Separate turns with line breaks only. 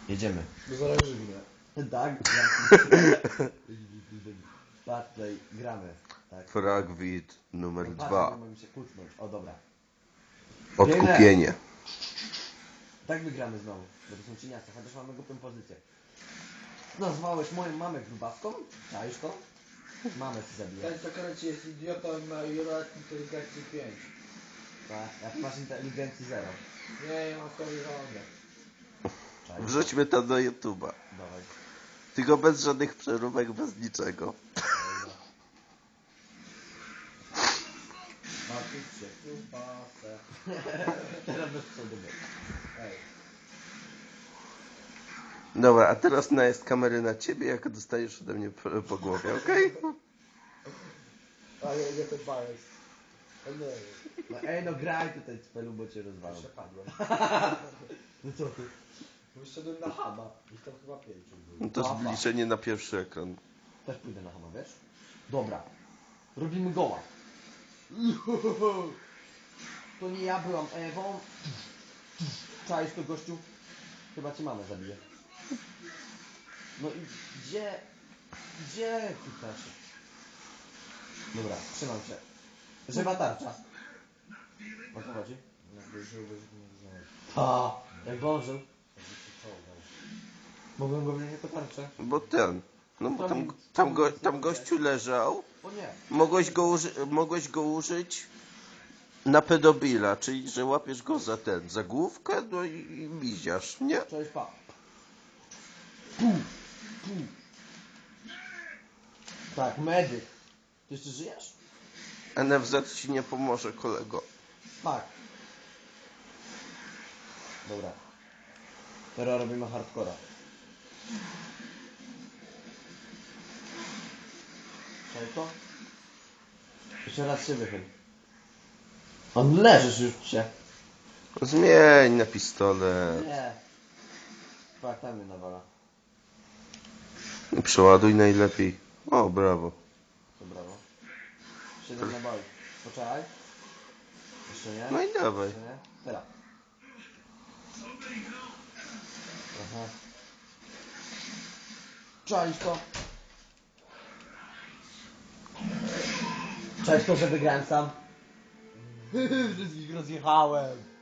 Jedziemy.
Bo zaraz żygnę.
Tak? Patrz, tutaj gramy. Tak.
Fragwit numer
Patrz,
2.
nie mogę się kucnąć. O, dobra.
Odkupienie.
Tak wygramy znowu. Bo to są cieniaste, chociaż mamy głupią pozycję. Nazwałeś moją mamę grubaską? Czaisz to? Mamę ci zabiję.
Ten co kręci jest idiotą i ma jurat inteligencji 5.
Tak, jak masz inteligencji 0.
Nie, ja mam koleżankę.
Czaisz?
Wrzućmy to do YouTube'a.
Dawaj.
Tylko bez żadnych przeróbek, bez niczego.
Martwić się kiełbasę.
Teraz bez przodu.
Ej.
Dobra, a teraz najazd kamery na ciebie, jak dostajesz ode mnie po głowie, okej?
Ale nie to bajek. Nie.
No ej, no graj tutaj cpelu, bo cię rozwalam.
Przepadłem.
No co ty?
Wyszedłem na hama. Ich tam chyba 5
No
było.
to zbliżenie na pierwszy ekran.
Też pójdę na hama, wiesz? Dobra. Robimy goła. To nie ja byłam Ewą. Czaisz to, gościu? Chyba cię mamę zabije. No i gdzie? Gdzie ty też? Dobra, trzymam się. Żywa tarcza. O co chodzi?
Jakby żyłbyś mnie znaleźć.
Ta, jakby on żył.
Jakby się czołgał.
Mogłem go wziąć jako tarczę.
Bo ten... No bo tam gościu leżał.
O nie.
Mogłeś go użyć na pedobila, czyli że łapiesz go za główkę, no i miziasz, nie?
Cześć, pa. Tak, medyk. Ty jeszcze żyjesz?
NFZ ci nie pomoże, kolego.
Tak. Dobra. Teraz robimy hardcora. Czekaj to? Jeszcze raz się wychyl. On leżysz już się.
Zmień na pistolet.
Nie. Tak, tam mnie nawala.
Przeładuj najlepiej. O, brawo.
To brawo. 7 naboi. Poczekaj. Jeszcze nie.
No i dawaj.
Jeszcze nie. Teraz. Aha. Czaisz to? Czaisz to, że wygrałem sam? Wszystkich rozjechałem.